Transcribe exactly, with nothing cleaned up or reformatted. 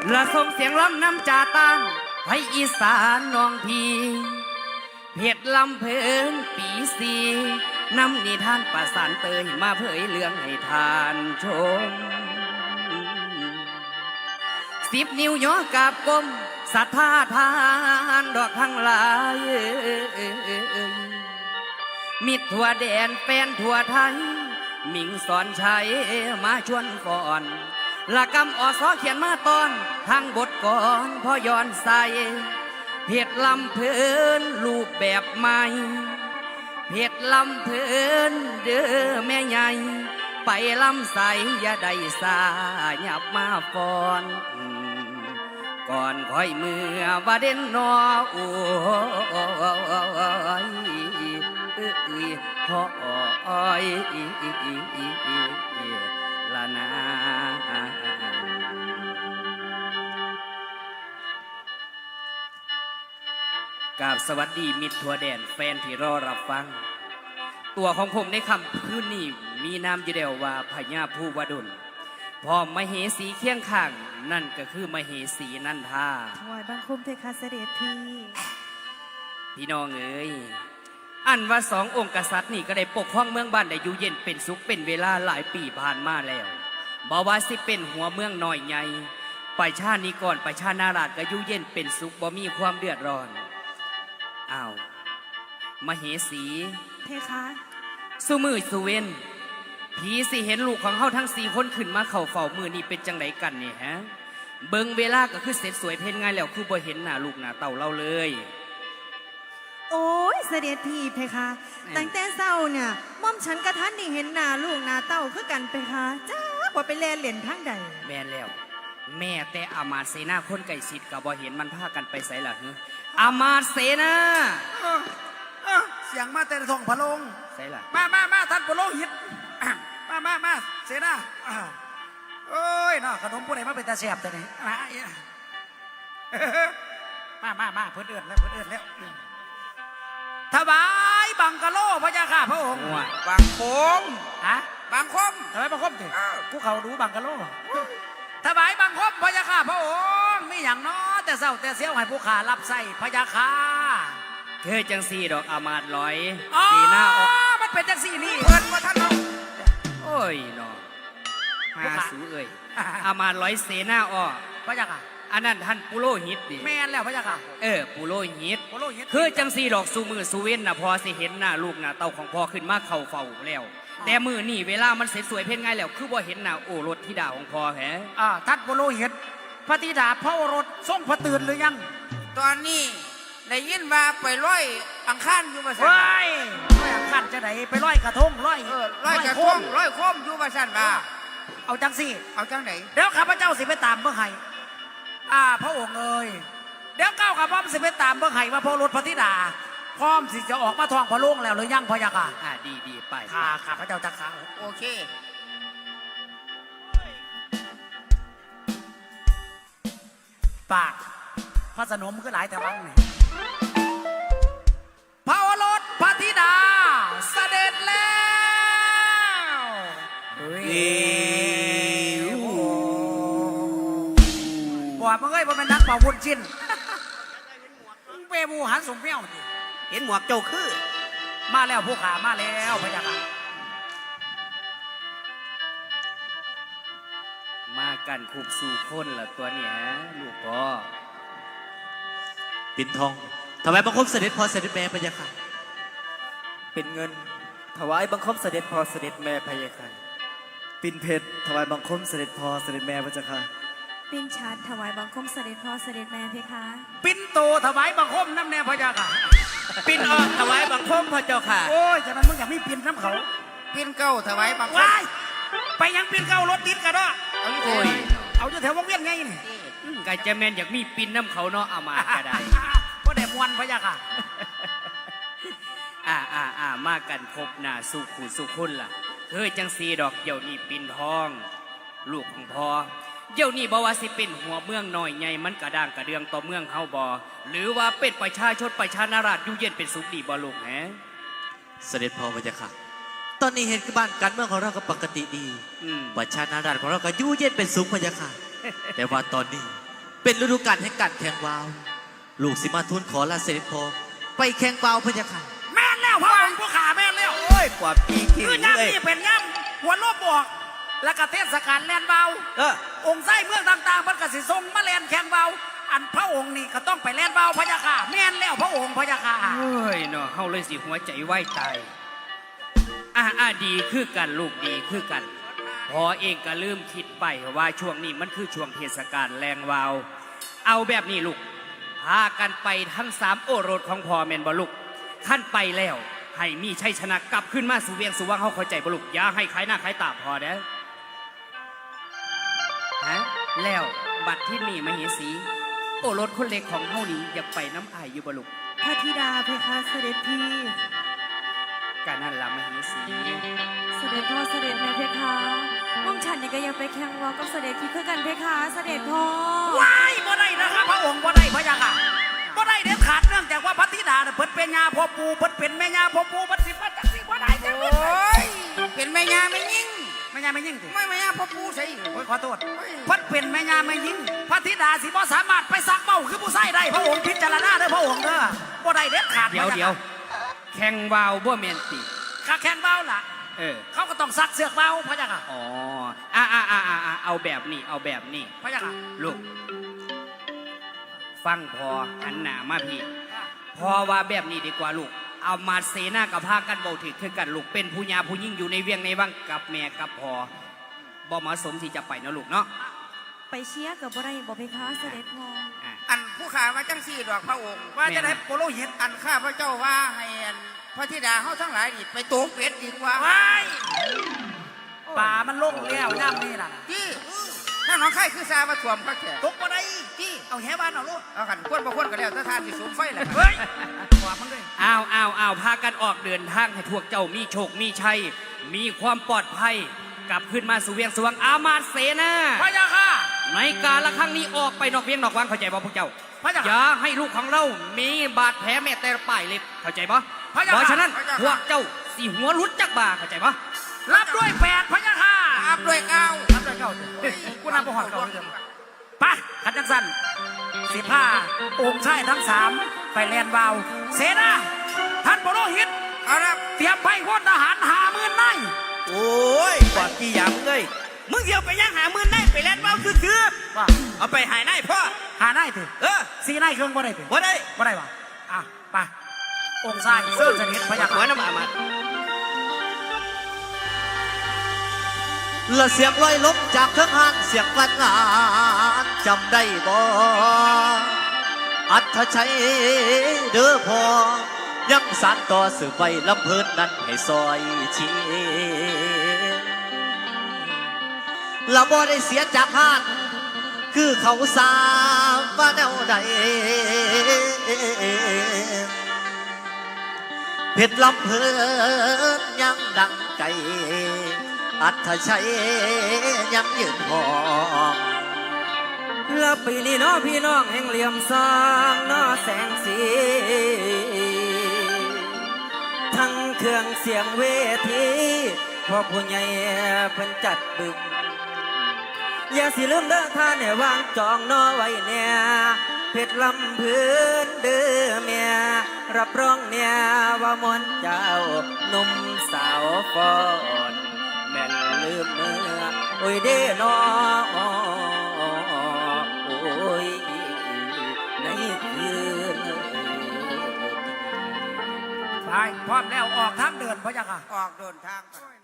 ละส่งเสียงล้ำน้ำจาตานให้อีสานน้องพี่เพชรลำเพลินปีสีนำนิทานประสานเตยมาเผยเรื่องให้ทานชมสิบนิ้วย่อกราบกลมศรัทธาทานดอกทั้งหลายมิตรทั่วแดนแฟนทั่วไทยมิงสอนชัยมาชวนก่อนละกำอสอเขียนมาตอนทางบทก่อนพอย้อนใส่เพชรลำเพลินรูปแบบใหม่เพชรลำเพลินเด้อแม่ใหญ่ไปลำใสอย่าได้สาหยับมาฟอนก่อนค่อยเมื่อว่าเด่นนอโอ้ยพ่ออ้อยละนากราบสวัสดีมิตรทั่วแดนแฟนที่รอรับฟังตัวของผมในคำพื้นนี้มีนามอยู่เดียวว่าพญาผู้วดลพร้อมมเหสีเคียงข้างนั่นก็คือมเหสีนันทาถวายบังคมเพคะเสด็จพี่พี่น้องเอ๋ยอันว่าสององค์กษัตริย์นี่ก็ได้ปกครองเมืองบ้านได้อยู่เย็นเป็นสุขเป็นเวลาหลายปีผ่านมาแล้วบ่ว่าสิเป็นหัวเมืองน้อยใหญ่ไปชาตินี้ก่อนไปชาตินาราชก็อยู่เย็นเป็นสุขบ่มีความเดือดร้อนอ้าวมเหสีเพคะสุมือสุเวนผีสิเห็นลูกของเฮาทั้งสี่คนขึ้นมาเข่าเฝ้ามือนี่เป็นจังไดกันนี่ฮะเบิ่งเวลาก็คือเสร็จสวยเพ่นง่ายแล้วคือบ่เห็นหน้าลูกหน้าเต่าเราเลยโอ้ยเสด็จพี่เพคะตั้งแต่เศร้าเนี่ยม่อมฉันกระทันนี่เห็นหน้าลูกหน้าเต่าคือกันเพคะจ้าว่าไปเล่นเหรียญทั้งใดแม่นแล้วแม่แต่อามาตย์เสนาคนไก่สิทธิ์ก็บ่เห็นมันพากันไปไสล่ะฮึอามาตย์เสนาเสียงมาแต่ท้องพระโรงไสล่ะมามามาท่านพระโรงหิตมามามาเสนาโอ้ยน่าขนมผู้ใดมาเป็นตาแสบแต่ไหนมามามาเพื่อนเอื้อนแล้วเพื่อนเอื้อนแล้วถวายบังกะโลพระยาข้าพระองค์บังคมฮะบังคมถวายบังคมถึงกูเขารู้บังกะโลถวายบังคมพระยาข้าพระองค์มีอย่างน้อแต่เศร้าแต่เสี้ยวให้ผู้ขารับใส่พระยาข้าเธอจังสี่ดอกอามาตย์ลอยสีหน้าออกมันเป็นจังสี่นี่เพิ่นว่าท่านน้องโอ้ยน้องมาสูเอ้ยอามาตย์ลอยเสนาออกพระยาข้าอันนั้นท่านปุโรหิตดิแม่นแล้วพระยาค่ะเออปุโรหิตคือจังสีดอกสูมือสูเว้นน่ะพอสิเห็นหน้าลูกหน้าเต่าของพ่อขึ้นมาเข่าเฝ้าแล้วแต่มือนี่เวลามันเสร็จสวยเพ่นง่ายแล้วคือว่าเห็นหน้าโอรสธิดาของพ่อแฮะอ่าท่านปุโรหิตพระธิดาพระโอรสทรงพระตื่นหรือยังตอนนี้ได้ยินว่าไปร้อยอังคารอยู่มาสั่นร้อยร้อยอังคารจะไหนไปร้อยกระทงร้อยเออร้อยกระทงร้อยโคมอยู่มาสั่นว่าเอาจังสิเอาจังไหนเดี๋ยวข้าพเจ้าสิไปตามเมื่อไหร่อ่าพระองค์เอ๋ยเดี๋ยวเก้ากับพร้อมสิไปตามเมื่อไหร่มาพอรถพระธิดาพร้อมสิจะออกมาทองพระโล่งแล้วหรือยังพะยะค่ะอ่าดีดีไปข้าข้าพระเจ้าจะข้าโอเคปากพระสนมก็หลายแต่วังนี่พระโอรสพระธิดาเสด็จแล้วเฮ้ยว่ามึงเอ้ยว่าเป็นนักป่าวุ้นชิ้นเปบูหันสมเปี้ยวเห็นหมวกเจ้าคือมาแล้วผู้ขามาแล้วพะยะค่ะมากันคุบสู่คนละตัวเนี้ยลูกพ่อปิ่นทองถวายบังคมเสด็จพ่อเสด็จแม่พะยะค่ะเป็นเงินถวายบังคมเสด็จพ่อเสด็จแม่พะยะค่ะปิ่นเพชรถวายบังคมเสด็จพ่อเสด็จแม่พะยะค่ะปิ้นชัดถวายบังคมเสด็จพ่อเสด็จแม่เพคะปิ้นโตถวายบังคมน้ำแน่พะยะค่ะปิ้นออกถวายบังคมพระเจ้าค่ะโอ้ยแต่มันมึงอยากมีปิ้นน้ำเขาปิ้นเก้าถวายบังคมไปยังปิ้นเก้ารถติดกันเนาะโอ้ยเอาอยู่แถววงเวียนไงนี่ไก่จะแมนอยากมีปิ้นน้ำเขาเนาะเอามาก็ได้เพราะแต่มวนพะยะค่ะอ่าอ่าอ่ามากันครบหน้าสุขุสุขุนล่ะเฮ้ยจังสีดอกเดี๋ยวนี้ปิ้นทองลูกของพ่อเดี๋ยวนี้บอกว่าสิเป็นหัวเมืองน้อยใหญ่มันกระด้างกระเดืองต่อเมืองเฮาบ่หรือว่าเป็นประชาชนประชานาราชอยู่เย็นเป็นสุขดีบ่ลูกแฮะเสด็จพ่อพะยะค่ะตอนนี้เห็นบ้านการเมืองของเราก็ปกติดีประชานาราชของเราก็อยู่เย็นเป็นสุขพะยะค่ะแต่ว่าตอนนี้เป็นฤดูกาลแห่งการแข่งวาว ลูกสิมาทูลขอลาเสด็จพ่อไปแข่งวาวพระเจ้าค่ะแม่นแล้วพระองค์ผู้ขาแม่นแล้วโอ้ยปวดปีขี้คือเลยย่ำนี่เป็นย่ำหัวโลบบอก แล้วก็เทศกาลแลนเบาเออองค์ไส้เมืองต่างๆมันก็สิทรงมาแลนแข่งเบาอันพระองค์นี่ก็ต้องไปแลนเบาพระยาค่ะแม่นแล้วพระองค์พระยาค่ะเฮ้ยเนาะเฮาเลยสิหัวใจไหวตายอ่าอ่าดีคือกันลูกดีคือกัน พอเองก็ลืมคิดไปว่าช่วงนี้มันคือช่วงเทศกาลแรงวาว เอาแบบนี้ลูกพากันไปทั้งสามโอรสของพ่อแม่นบ่ลูกขั้นไปแล้วให้มีชัยชนะกลับขึ้นมาสู่เวียงสู่วังเฮาเข้าใจบ่ลูกอย่าให้ขายหน้าขายตาพอเด้อฮะแล้วบัดที่นี่มเหสี โอรสคนเล็กของเฮานี้อยากไปน้ำอายอยู่บ่ลูกพระธิดาเพคะเสด็จพี่การนั่นละมเหสีเสด็จพ่อเสด็จแม่เพคะม่อมฉันนี่ก็ยังไปแข่งวอลกับเสด็จพี่คือกันเพคะเสด็จพ่อว้ายบ่ได้นะครับพระองค์บ่ได้พระยาค่ะบ่ได้เด็ดขาดเนื่องจากว่าพระธิดาเนี่ยเพิ่นเป็นยาพ่อปูเพิ่นเป็นแม่ยาพ่อปูเพิ่นสิมาจักสิบ่ได้จังโอเว้ย้ยเป็นแม่ยาไม่ยิ่งแม่ยาไม่ยิ่งสิไม่แม่ยาพ่อปูใช่โอ้ยขอโทษเพิ่นเป็นแม่ยาไม่ยิ่งพระธิดาสิบ่สามารถไปซักเบ้าคือผู้ใส่ได้พระองค์พิจารณาเด้อพระองค์เด้อบ่ได้เด็ดขาดเดี๋ยวพระเดี๋ยวแข่งวาวบ่แมนติข้าแข่งเบ้าล่ะเออเขาก็ต้องซักเสือกเบ้าพระยาค่ะอ๋ออ่าอ่าอ่าอ่าเอาแบบนี้เอาแบบนี้พระยาค่ะลูก ฟังพอหันหน้ามาพี่พอว่าแบบนี้ดีกว่าลูก เอามาเสนากับพากันเบาถือคือกันลูกเป็นผู้ยาผู้ยิ่งอยู่ในเวียงในวังกับแม่กับพอบ่เหมาะสมที่จะไปเนาะลูกเนาะไปเชียร์กับบ่ได้บ่เพคะเสด็จพ่ออ่ะอันผู้ขาว่าจังสี่ดอกพระองค์ว่าจะได้โปโลหิตอันข้าพระเจ้าว่าให้อันพระธิดาเฮาทั้งหลายนี่ไปโตงเป็ดดีกว่าว้ายป่ามันโล่งแล้วย่ำนี่ล่ะที่ถ้าน้องไข่คือซามาถ่วมเขาแท้ตกบ่ได้ที่เอาแหบ้านเอาลูกเอาขันควนบ่ควนก็แล้วถ้าทานสิสูงไฟแหละเฮ้ยขวามันเลยอ้าวอ้าวอ้าวพากันออกเดินทางให้พวกเจ้ามีโชคมีชัย มีความปลอดภัย กลับขึ้นมาสู่เวียงสวงอามาตย์เสนาพระยาค่ะในการละครั้งนี้ออกไปนอกเวียงนอกวังเข้าใจบ่พวกเจ้าพระเจ้าอย่าให้ลูกของเรามีบาดแผลแม้แต่ป้ายเล็บเข้าใจบ่พระเจ้าเพราะฉะนั้นพวกเจ้าสีหัวรุดจักบาเข้าใจบ่รับด้วยแปดพระยาค่ะอาบด้วยเก้ารับด้วยเก้าเฮ้ยกูนำประหอดเก้าเลยไปขันจังสันสิผ้าองค์ชายทั้งสามไปแลนวาว เสนาท่านโปโลหิตเอาละเตรียมไปพลทหารหาหมื่นนายโอ้ยปวดกี่ยำเลยมึงเดี๋ยวไปย่างหามือได้ไปแล่นเบ้าคือคือว่าเอาไปหายได้พ่อหานายเถอะเออสีนายเครื่องบ่ได้เถอะว่าได้บ่ได้วะอ่ะไปองค์ชายเสื้อสนิทพระยาหัวค่ะน้ำอามาตย์และเสียงลอยลมจากเครื่องหานเสียงฟันงานจำได้บ่อัธชัยเด้อพอยังสานต่อสืบไปลำเพิ่นนั้นให้ซอยชีละบ่ได้เสียจากหานคือเขาสามว่าแนวใดเพชรลำเพิ่นยังดังไกลอัธชัยยังยืนหองแล้วปีนี้เนาะพี่น้องแห่งเหลี่ยมสร้างเนาะแสงสี ทั้งเครื่องเสียงเวทีพ่อผู้ใหญ่เพิ่นจัดบึงอย่าสิลืมเด้อท่านเนี่ยวางจองเนาะไว้เนี่ยเพชรลำพื้นเด้อเมียรับรองเนี่ยว่ามนต์เจ้าหนุ่มสาวฟอนแม่นลืมเมื่อโอ้ยเด้อนอโอ้ยในคืนไปพร้อมแล้วออกทางเดินพระยาค่ะออกเดินทางไป